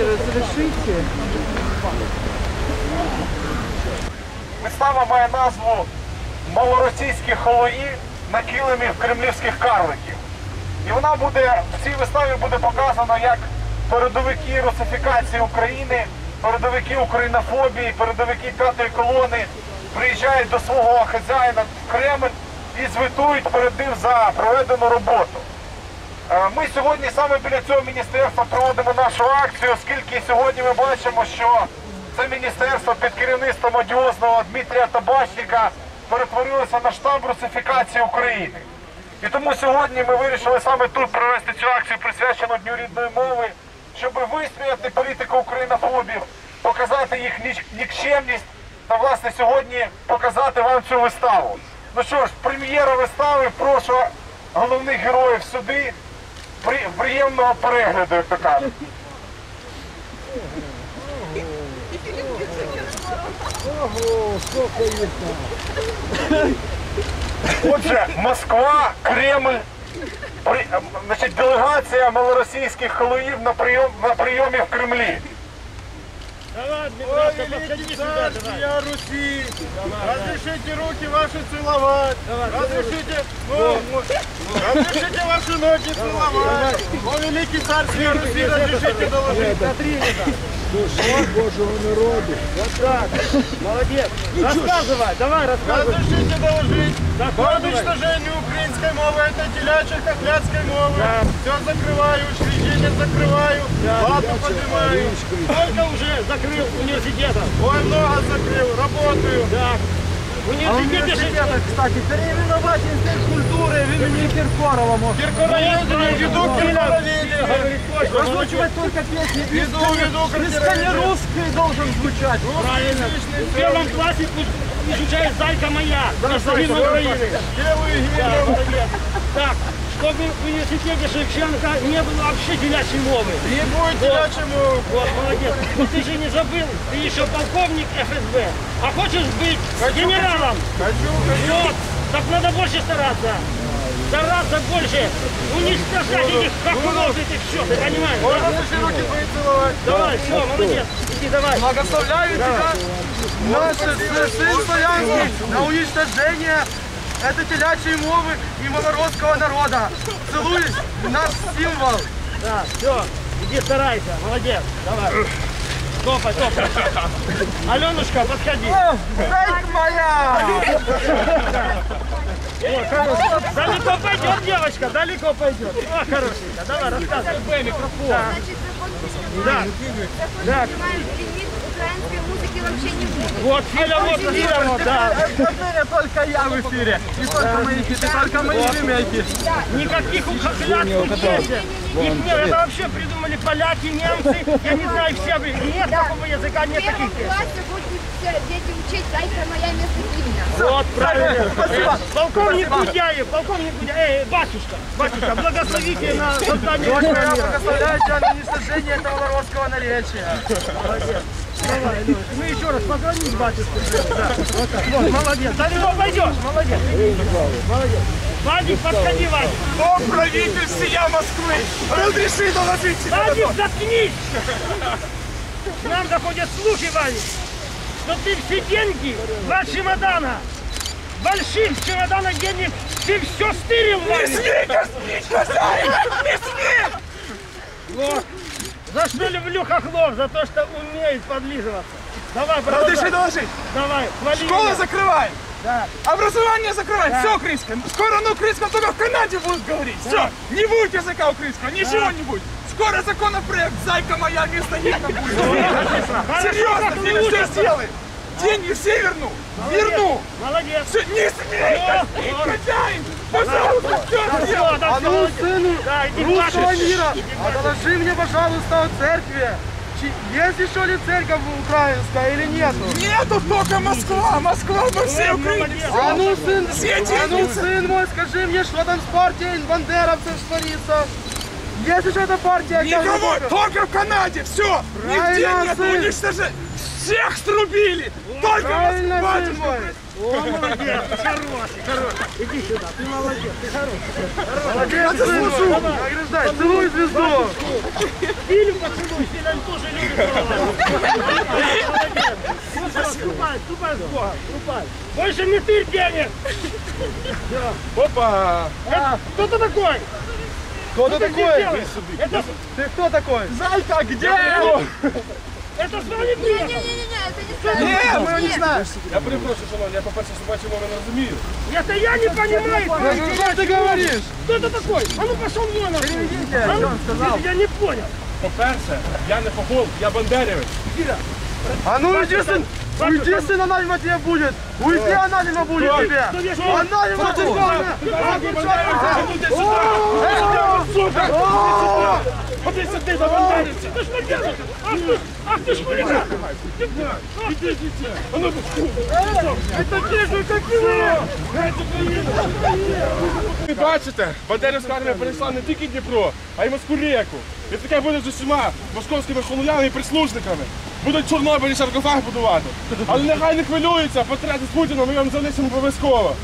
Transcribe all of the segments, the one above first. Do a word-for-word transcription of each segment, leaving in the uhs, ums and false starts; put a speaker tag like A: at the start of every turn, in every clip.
A: разрешите.
B: Вистава має назву «Малоросійські холої на килимі кремлівських карликів». І вона буде, в цій виставі буде показано, як передовики русифікації України, передовики українофобії, передовики п'ятої колони приїжджають до свого хазяїна в Кремль і звітують перед ним за проведену роботу. Ми сьогодні саме біля цього міністерства проводимо нашу акцію, оскільки сьогодні ми бачимо, що це міністерство під керівництвом одіозного Дмитрія Табачника перетворилося на штаб русифікації України. І тому сьогодні ми вирішили саме тут провести цю акцію, присвячену Дню рідної мови, щоб висміяти політику українофобів, показати їх нікчемність та, власне, сьогодні показати вам цю виставу. Ну що ж, прем'єра вистави, прошу головних героїв сюди. Приємного перегляду, як то кажуть.
A: Ого, сколько їх там.
B: Отже, Москва, Кремль, при, значить, делегація малоросійських холоїв на, прийом, на прийомі в Кремлі.
C: Давай, Дмитрий, подходи сюда, давай. Руси, разрешите руки ваши целовать, разрешите, ну, разрешите ваши ноги целовать. О, великий царь всей Руси, разрешите доложить.
A: Душа Божьего народа.
C: Вот так, молодец. Рассказывай, давай, рассказывай. Разрешите доложить по уничтожению украинской мовы, этой телячьей, хохлядской мовы. Все закрываю, учреждения закрываю, плату поднимаю. Сколько уже закрыл университетов? Ой, много закрыл, работаю. Да.
A: Университеты, кстати, переименовать институт культуры в имени Киркорова можно.
C: Киркороведение, веду Киркороведение.
A: Озвучивать только песни.
C: Веду, веду
A: русский должен звучать.
C: Правильно. В первом классе изучает «Зайка моя», гражданин Украины. Делаю гимн. Так, чтобы в университете Шевченко не было вообще телячьей мовы. Не будет телячьей мовы. Вот, молодец. Но ты же не забыл, ты еще полковник эф эс бэ. А хочешь быть хочу, генералом? Хочу, хочу. Вот, так надо больше стараться. Стараться больше. Уничтожать этих хохлов, этих все, ты понимаешь? Можно да? руки твои целовать. Давай, все, молодец. Иди, давай. Благословляю тебя. Наш сын славянский на уничтожение этой телячьей мовы и малоросского народа. Целуй наш символ. Да, все, иди старайся, молодец. Давай. Топай, топай. Аленушка, подходи.
A: Зайка моя!
C: О, далеко пойдет, девочка, далеко пойдет. О, хорошенько, давай, рассказывай. Микрофон.
D: Значит, вы помните,
C: да. Да.
D: украинской музыки вообще не будет.
C: Вот, Филя, вот, Филя, вот, да.
A: В только я в эфире. Не только мои хиты, только мои ремейки.
C: Никаких хохлядских песен. Их нет, это вообще придумали поляки, немцы, я не знаю, все. Нет такого языка, нет таких песен.
D: В классе будут дети учить «Зайка моя» вместо гимна.
C: Вот, правильно. Спасибо. Полковник Гудяев, полковник Гудяев, эй, батюшка, батюшка, благословите на создание мира.
A: Благословляю тебя на уничтожение этого малоросского наречия.
C: Молодец. Давай, ну, ну еще раз позвонить батюшке. Да, вот так. Вот, молодец. Далеко пойдешь, молодец. Молодец. Вадик, подходи, Вадик.
A: О, правитель всея Москвы, разреши доложить тебя.
C: Вадик, заткнись. К нам доходят слухи, Вадик, что ты все деньги, два чемодана, больших чемоданах денег, ты все стырил, Вадик.
A: Не смей космить, хозяин, не смей.
C: Вот. За что люблю хохлов? За то, что умеет подлизываться. Давай, продолжай.
A: Разреши доложить.
C: Давай, хвали.
A: Школа
C: меня.
A: закрывай.
C: Да.
A: Образование закрывай.
C: Да.
A: Все украинское. Скоро на украинском только в Канаде будут говорить.
C: Да.
A: Все. Не будет языка украинского. Ничего
C: Да.
A: не будет. Скоро законопроект «Зайка моя» вместо гимна будет.
C: Хорошо,
A: Серьезно,
C: как
A: Филя,
C: лучше.
A: все сделай. Деньги все верну.
C: Молодец.
A: Верну.
C: Молодец.
A: Все, не смей,
C: О,
A: космить,
C: о.
A: хозяин. Пожалуйста, все
C: Да
A: сделай.
C: всё, да всё.
A: сыну
C: Да, иди
A: русского
C: плачешь.
A: мира,
C: Иди
A: а
C: плачешь.
A: доложи мне, пожалуйста, о церкви. Есть еще ли церковь украинская или нету? Нету, только Москва. Москва во всей
C: Ой,
A: Украине.
C: молодец.
A: А ну, сын,
B: Все
A: а ну,
B: деньги.
A: сын мой, скажи мне, что там с партией бандеровцев творится? Есть еще эта партия.
E: Никого, только в Канаде, все. Нигде
A: Правильно,
E: нет
A: сын.
E: уничтожения. Всех срубили. Только
A: Правильно,
E: вас,
A: сын
E: батюшка.
A: мой.
C: О, молодец, хороший, хороший. Иди сюда, ты молодец, ты хороший.
A: Молодец, сын мой. Награждай, целуй звезду.
C: Фильм поцелуй, Филин тоже любит целовать. Молодец. Ну, ступай, ступай с Богом, ступай. Больше не ты денег.
E: Опа.
C: Это, кто ты такой?
A: Кто ты
C: Что ты здесь
A: такой?
C: делаешь? Это,
A: Ты кто такой?
E: Зайка, где?
C: это с вами
D: Не-не-не,
C: приехал.
D: это не Саша.
A: Нет, мы его не
D: Нет.
A: знаем.
E: Я перепрошую, шановні, я по-перше, собачу мову не розумію.
C: Это я не понимаю.
A: Ну, что ты говоришь?
C: Кто ты такой? А ну пошел вон.
A: Переведите,
C: А ну,
A: что он сказал.
C: Я не понял.
E: По-перше, я не фохол, я бандерівець.
A: А ну уйди, сын! Уйди, сын, ананима тебе будет! Уйди, ананима будет тебе! Ананима
C: Ходи сюди, за бандерівця. Ти ж бандерівця. Ах ти, ах ти ж хуліган. Іди, іди. А ну, это те же, как и вы.
E: Ви бачите, бандерівська армія перейшла не тільки Дніпро, а й Москву ріку. І таке буде з усіма московськими холуями і прислужниками. Будуть в Чорнобилі саркофаг будувати. Але нехай не хвилюються, портрети з Путіном ми вам залишимо обов'язково.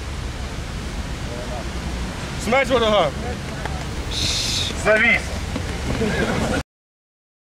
E: Смерть ворогам!
B: Завіс.